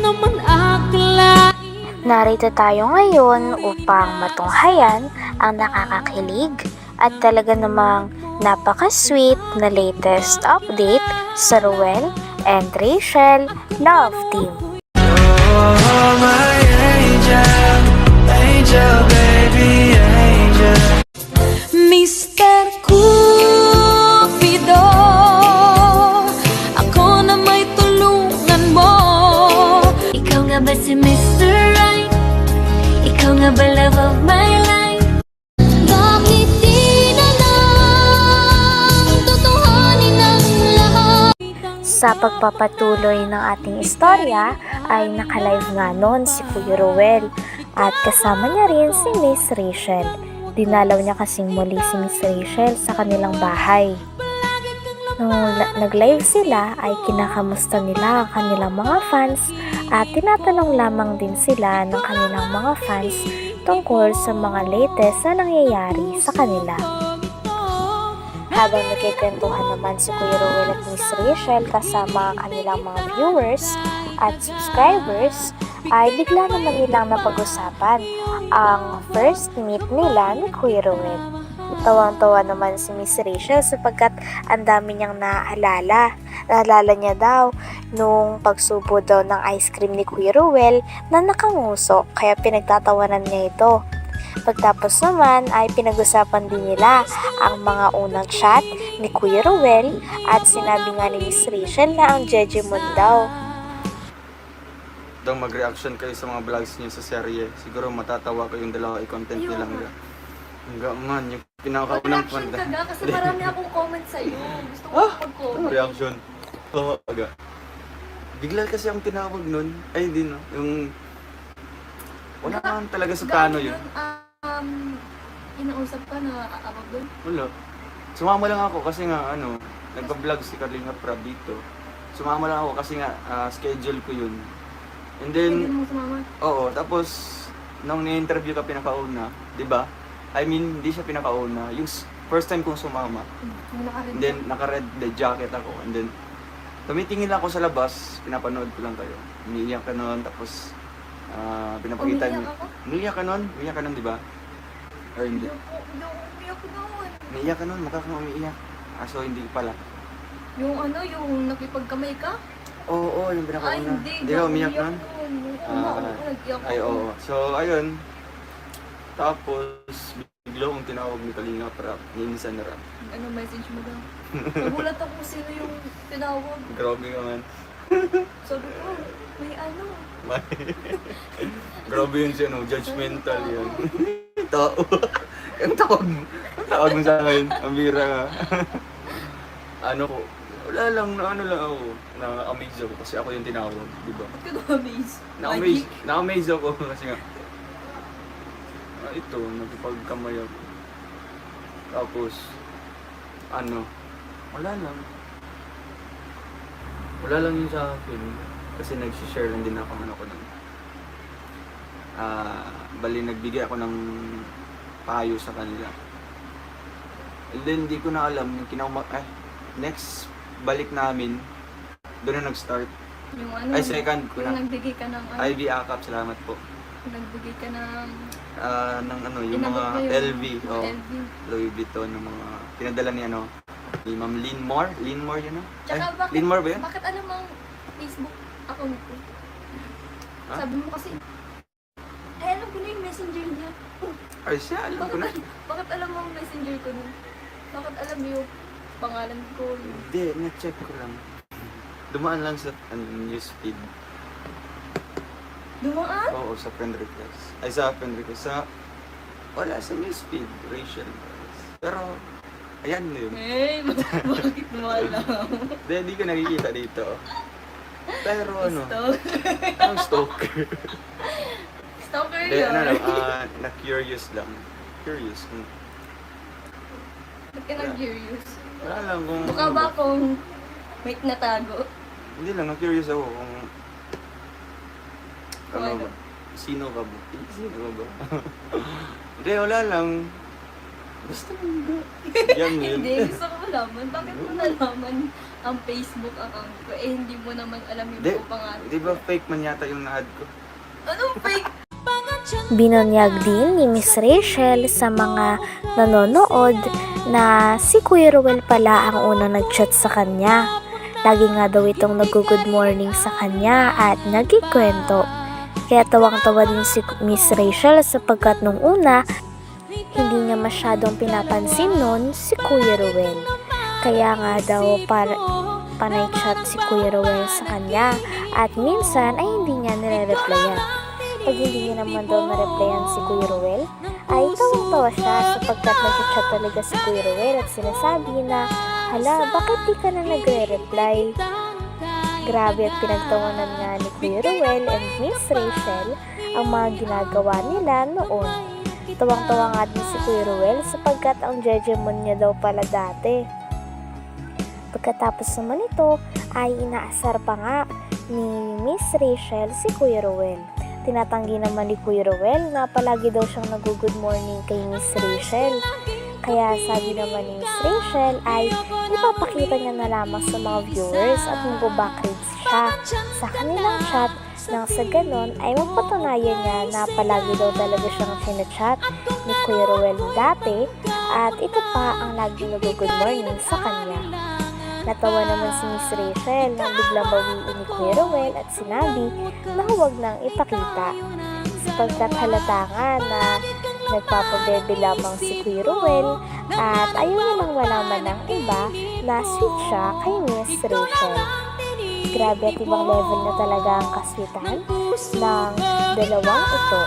naman akalain. Narito tayo ngayon upang matunghayan ang nakakakilig at talaga namang napaka-sweet na latest update sa Ruel and Rachel Love Team. Oh, my angel, angel, baby, angel. Mr. Cupido, ako na may tulungan mo. Ikaw nga ba si Mr. Right? Ikaw nga ba love of my life? Bakit di na lang tutuhanin ang lahat? Sa pagpapatuloy ng ating istorya ay nakalive nga noon si Kuya Ruel at kasama niya rin si Miss Rachel. Dinalaw niya kasing muli si Miss Rachel sa kanilang bahay. Nung nag-live sila ay kinakamusta nila ang kanilang mga fans at tinatanong lamang din sila ng kanilang mga fans tungkol sa mga latest na nangyayari sa kanila. Habang nagkikwentuhan naman si Kuya Ruel at Miss Rachel kasama ang kanilang mga viewers at subscribers, ay bigla naman nilang napag-usapan ang first meet nila ni Kuya Ruel. Tawang-tawa naman si Miss Rachel sapagkat ang dami niyang naaalala. Naalala niya daw nung pagsubo daw ng ice cream ni Kuya Ruel na nakanguso kaya pinagtatawanan niya ito. Pagtapos naman ay pinag-usapan din nila ang mga unang chat ni Kuya Ruel at sinabi nga ni Miss Rachel na ang Jejemon daw. Daw mag-reaction kayo sa mga vlogs niyo sa serye. Siguro matatawa kayong dalawa i-content nila hanggang. Hanggang man, yung pinakaunang Reaction panda. ka ga, kasi marami akong comment sa'yo. Gusto ko Ano mag-comment. reaction? Oo, aga. Bigla kasi ang tinawag nun. Ay, hindi no. Yung... Wala naman talaga sa plano yun. Inausap ka na abag doon? Wala. Sumama lang ako kasi nga, nagpa-vlog si Kalinga Prab dito. Sumama lang ako kasi nga, schedule ko yun. And then, Hindi mo sumama? oo, tapos, nung ni-interview ka pinakauna, di ba? I mean, hindi siya pinakauna. Yung first time kong sumama. Yung nakarin And then, naka-red the jacket ako. And then, tumitingin lang ako sa labas, pinapanood ko lang kayo. Umiiyak ka nun, tapos, pinapakita niyo. Umiiyak ako? Umiiyak ka nun? Umiiyak ka nun, di ba? Or hindi? Hindi ako umiyak noon. Umiiyak ka nun, mukha kang umiiyak. So hindi pala. Yung nakipagkamay ka? Oo, yung pinakauna. Ay, hindi. Hindi ka umiyak nun? Nag-iyak Ay, ako. oo. So, ayun. Tapos, bigla kong tinawag ni Kalinga Prab, ni Insan Rap. Ano message mo daw? Nagulat ako sino yung tinawag. Grabe ka man. Sabi ko, may ano. Grabe yun siya, no? Judgmental yun. Tao. Ang tawag mo sa akin. Ang bira ka. Wala lang, na-amaze ako kasi ako yung tinawag, di ba? Ba't ka na-amaze? Na-amaze ako kasi nga, ito, nagpagkamay ako. Tapos, wala lang. Wala lang yun sa akin. Kasi nag-share lang din ako ng bali nagbigay ako ng payo sa kanila. And then, hindi ko na alam, yung next balik namin, doon na nag-start. Yung ano? Ay, second ko Yung na. nagbigay ka ng ano? IV AKAP, salamat po. Nagbigay ka ng... Ng yung Inabot mga mo yung LV, oh, LV. Louis Vuitton, ng mga pinadala ni ni Ma'am Linmore. Linmore yun, no? Tsaka bakit, Linmore ba yun? bakit alam mo ang Facebook account ko? Ha? Sabi mo kasi, ay alam ko na yung messenger niya. Ay siya, alam ko na. Bakit alam mo ang messenger ko nun? Bakit alam mo yung pangalan ko? Hindi, na-check ko lang. Dumaan lang sa newsfeed. Dumaan? Oo, sa friend request. Ay, sa friend request. Wala, sa newsfeed, Rachel. Pero, ayan na yun. Eh, bakit mo alam? Hindi ko nakikita dito. Pero Stalker. ang stalker. Stalker Hindi, yun. na-curious lang. Curious. Ba't ka na-curious? Wala lang kung... Mukha ba akong may natago? Hindi lang, na-curious ako kung... Kung Ano ano? ba? Sino ka ba? Sino ka ba? Hindi, wala lang. Basta hindi. Yan yun. Hindi, gusto ko malaman. Bakit mo nalaman ang Facebook account ko. Eh, hindi mo naman alam yung Di, buong pangalan. di ba fake man yata yung na-add ko? Anong fake? Binunyag din ni Miss Rachel sa mga nanonood na si Kuya Ruel pala ang unang nag-chat sa kanya. Lagi nga daw itong nag-good morning sa kanya at nagkikwento. Kaya tawang-tawa din si Miss Rachel sapagkat nung una, hindi niya masyadong pinapansin nun si Kuya Ruel. Kaya nga daw panay chat si Kuya Ruel sa kanya at minsan ay hindi niya nire-replyan. Pag hindi niya naman daw na-replyan si Kuya Ruel, ay tawang-tawa siya sapagkat nag-chat talaga si Kuya Ruel at sinasabi na, hala, bakit di ka na nagre-reply? Grabe at pinagtawanan nga ni Kuya Ruel and Miss Rachel ang mga ginagawa nila noon. Tawang-tawa nga din si Kuya Ruel sapagkat ang jejemon niya daw pala dati. Pagkatapos naman ito ay inaasar pa nga ni Miss Rachel si Kuya Ruel. Tinatanggi naman ni Kuya Ruel na palagi daw siyang nag-good morning kay Miss Rachel. Kaya sabi naman ni Miss Rachel ay ipapakita niya na lamang sa mga viewers at mag-backreads siya sa kanilang chat nang sa ganon ay mapatunayan niya na palagi daw talaga siyang sinachat ni Kuya Ruel dati at ito pa ang laging nag-good morning sa kanya. Natawa naman si Miss Rachel nang biglang bawiin ni Kuya Ruel at sinabi na huwag nang ipakita. Sapagkat halata nga na nagpapabebe lamang si Kuya Ruel at ayaw namang malaman ng iba na sweet siya kay Miss Rachel. Grabe at ibang level na talaga ang kaswitan ng dalawang ito.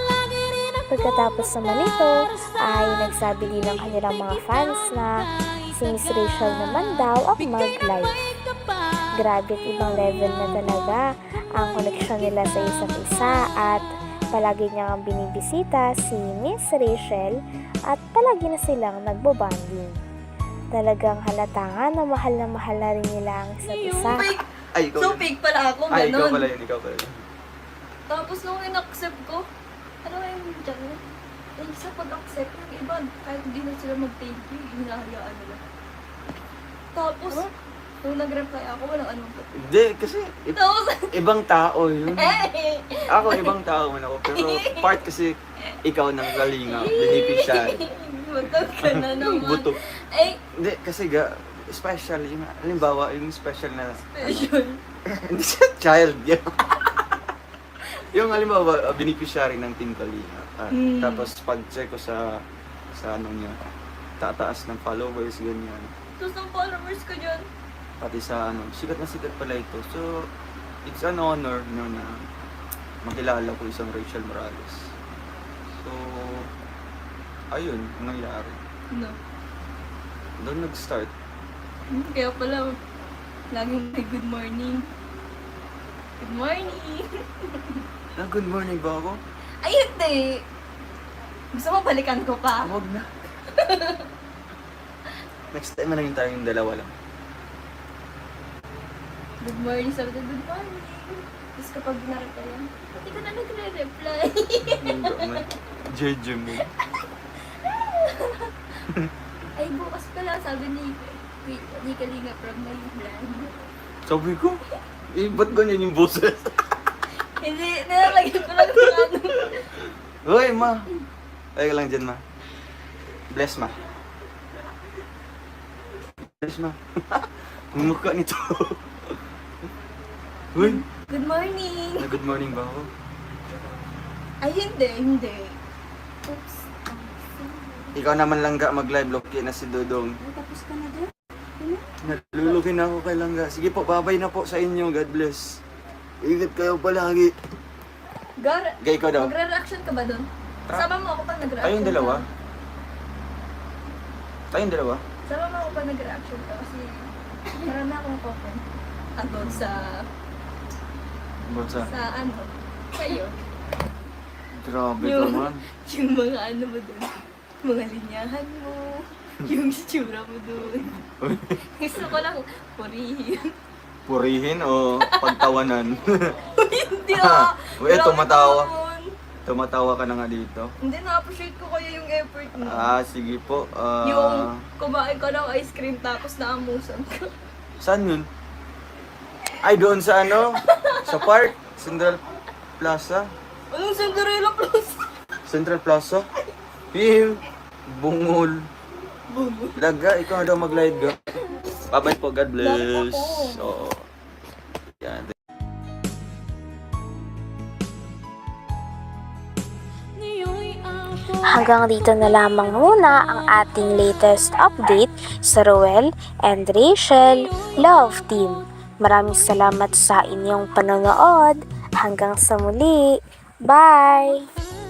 Pagkatapos naman ito ay nagsabi din ng kanilang mga fans na si Miss Rachel naman daw ang mag-live. Grabe at ibang level na talaga ang connection nila sa isa't isa at palagi niyang binibisita si Miss Rachel at palagi na silang nagbobanding. Talagang halata nga na mahal na rin nila ang isa't isa. Fake! Ay, ikaw So yun. fake pala ako, Ay, ikaw ganon. pala yun, ikaw pala yun. Tapos nung in-accept ko, ano nga yung dyan? Eh, sa pag-accept, yung iba, kahit hindi na sila mag-thank you, hinahayaan nila. Tapos, nung nag-reply ako, walang anong Hindi, kasi Tapos, ibang tao yun. eh! Ako, ibang tao man ako. Pero part kasi ikaw ng galinga, beneficiary. Butog ka na naman. Buto. Ay, Hindi, kasi special. Yung, halimbawa, yung special na, special. hindi siya child. Yung, yung halimbawa, beneficiary ng Team Kalinga. Tapos pag-check ko sa ano niya, tataas ng followers, ganyan. Tapos ang followers ko dyan. Pati sa ano, sikat na sikat pala ito. So, it's an honor no, na makilala ko isang Rachel Morales. So, ayun, ang nangyari. No. Doon nag-start. Kaya pala, laging may good morning. Good morning! Na good morning ba ako? Ay, hindi! Gusto mo balikan ko pa? Huwag na. Next time na lang tayong dalawa lang. Good morning, sabi ko, good morning. Tapos kapag na-reply, hindi ka na nagre-reply. JJ mo. Ay, bukas pala, sabi ni Kalinga from my plan. Sabi ko, ba't ganyan yung boses? Hindi, nilalagyan ko lang sa ano. Hoy, ma. Ay ka lang dyan, ma. Bless, ma. Bless, ma. Ang mukha nito. Hoy, Good morning! na good morning ba ako? Ay, hindi. Oops. Ikaw naman lang ga mag-live, Loki na si Dudong. Ay, tapos ka na dyan? Naluluki na ako kay Langga. Sige po, babay na po sa inyo. God bless. Ingat kayo palagi. Gar, Gay ko daw. magre-reaction ka ba doon? Sama mo ako pag nag-reaction Tayong dalawa? ka. Tayong dalawa? Sama mo ako pag nag-reaction ka kasi marami akong comment about sa Botsa. ano, sa'yo. Grabe Yung- ka man. Yung mga ano mo doon, mga linyahan mo, yung itsura mo doon. Gusto ko lang purihin. Purihin o pagtawanan? Hindi ah! Uy, Grabe tumatawa. naman. Tumatawa ka na nga dito. Hindi, na-appreciate ko kaya yung effort mo. Sige po. Yung kumain ka ng ice cream tapos naamusan ka. Saan yun? Ay, doon sa ano? Sa park? Central Plaza? Anong Cinderella Plus? Central Plaza? Pim! Bungol. Laga, ikaw na daw mag-live ka. Bye-bye po, God bless. Oo. Yan. Hanggang dito na lamang muna ang ating latest update sa Roel and Rachel Love Team. Maraming salamat sa inyong panonood. Hanggang sa muli. Bye!